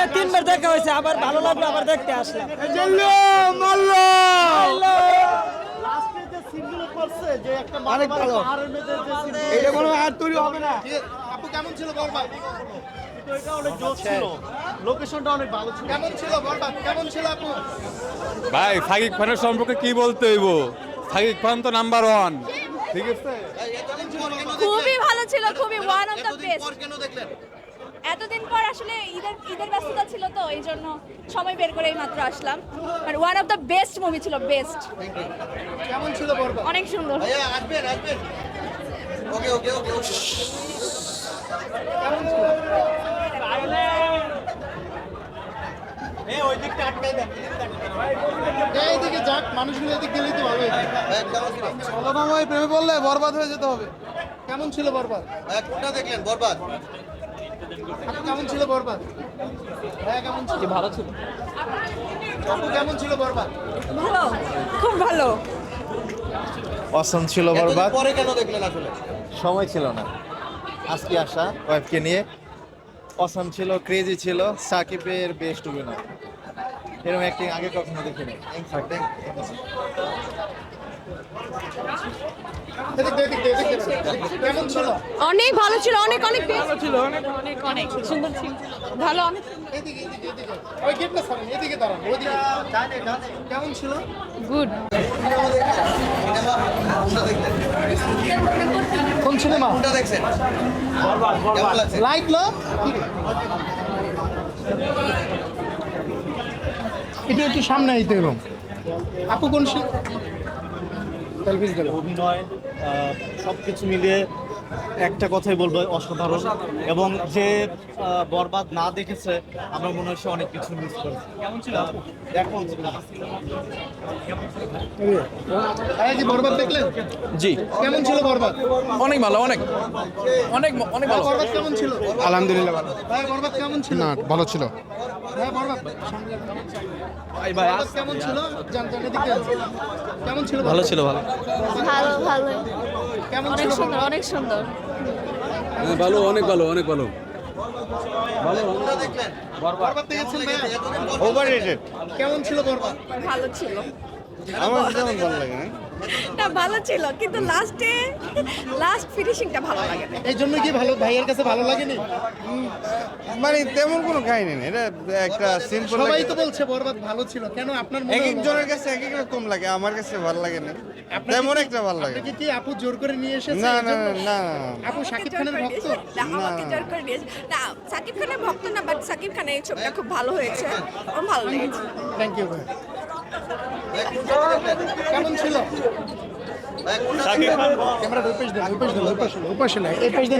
তিনবার দেখা হয়েছে, আবার ভালো লাগলো, আবার দেখতে আসলাম। অনেক ভালো। এটা কোনো আর তৈরি হবে না। আপু কেমন ছিল বরবাদ? এটা অনেক জোশ ছিল, লোকেশনটা অনেক ভালো ছিল। কেমন ছিল বরবাদ? কেমন ছিল আপু? ভাই শাকিব খানের সম্পর্কে কি বলতে হইব? শাকিব খান তো নাম্বার 1, ঠিক আছে। খুবই ভালো ছিল, খুবই ওয়ান অফ দ্য বেস্ট। কেন দেখলেন? এতদিন পর আসলে ঈদের ব্যস্ততা ছিল, তো এই জন্য সময় বের করে মাত্র আসলাম। আর one of the best movie ছিল, বেস্ট। কেমন ছিল বরবাদ? অনেক সুন্দর। ভাইয়া আসবেন আসবেন। ওকে ওকে ওকে ওকে। এইদিকে যাক, মানুষগুলো এদিক গেলেই তো ভালো। ছলনাময় প্রেমে বললে বরবাদ হয়ে যেতে হবে। কেমন ছিল বরবাদ? কোনটা দেখলেন বরবাদ? আপু কেমন ছিল বরবাদ? হ্যাঁ কেমন ছিল? ভালো ছিল। আপু কেমন ছিল বরবাদ? ভালো, খুব ভালো। অসম ছিল বরবাদ। পরে কেন দেখলেন আসলে? সময় ছিল না আজকে আসা ওয়াইফকে নিয়ে। অসম ছিল, ক্রেজি ছিল, সাকিবের বেস্ট অভিনয়। এরকম অ্যাক্টিং আগে কখনো দেখিনি। কেমন ছিল? অনেক ভালো ছিল, অনেক অনেক ভালো ছিল, অনেক অনেক অনেক সুন্দর ছিল, ভালো অনেক। এদিকে এদিকে এদিকে ওই গেটটা সামনে, এদিকে দাঁড়ান, ওইদিকে। কেমন ছিল? গুড। কোন সিনেমা? কোনটা দেখছেন? কেমন লাগছে? লাইট লো এটা একটু সামনে আইতে এরকম। আপু কোন অভিনয় সবকিছু মিলিয়ে একটা কথাই বলবো, অসাধারণ। এবং যে বরবাদ না দেখেছে, আমার মনে হয় সে অনেক কিছু মিস করেছে। কেমন ছিল এখন? কি বরবাদ দেখলেন? জি, কেমন ছিল বরবাদ? অনেক ভালো, অনেক অনেক অনেক ভালো। বরবাদ কেমন ছিল? আলহামদুলিল্লাহ ভালো। ভাই বরবাদ কেমন ছিল? না ভালো ছিল। ভাই বরবাদ বরবাদ কেমন ছিল? জানতেন এদিকে কেমন ছিল? ভালো ছিল, ভালো। ভালো ভালো, কেমন অনেক ছিল? সুন্দর, অনেক সুন্দর। ভালো, অনেক ভালো, অনেক ভালো। কোনটা দেখলেন? বরবাদ দেখেছেন ভাই? ওভাররেটেড। কেমন ছিল বরবাদ? ভালো ছিল আমার যেমন ভালো লাগে না। না, ভালো ছিল, কিন্তু লাস্ট ফিনিশিংটা ভালো লাগে না। এই জন্য কি ভালো, ভাইয়ের কাছে ভালো লাগেনি? মানে তেমন কোনো কাহিনী নেই, এটা একটা সিম্পল। সবাই তো বলছে বরবাদ ভালো ছিল, কেন আপনার মনে এক হলো? একজনের কাছে এক এক রকম লাগে, আমার কাছে ভালো লাগে না, আপনাকে তেমন কি- একটা ভালো লাগে। আপনাকে কি আপু জোর করে নিয়ে এসেছে? না এই না জন্য? না না। আপু শাকিব খানের ভক্ত? আমাকে জোর করে নিয়েছে না, সাকিব খানের ভক্ত না, বাট সাকিব খানের এই ছবিটা খুব ভালো হয়েছে, আমার ভালো লেগেছে। থ্যাংক ইউ ভাই। কেমন ছিল? কোনটা ক্যামেরা ওই পাশে দেন, ওই পাশে দেন, ওই পাশে না, এই পাশে দেন।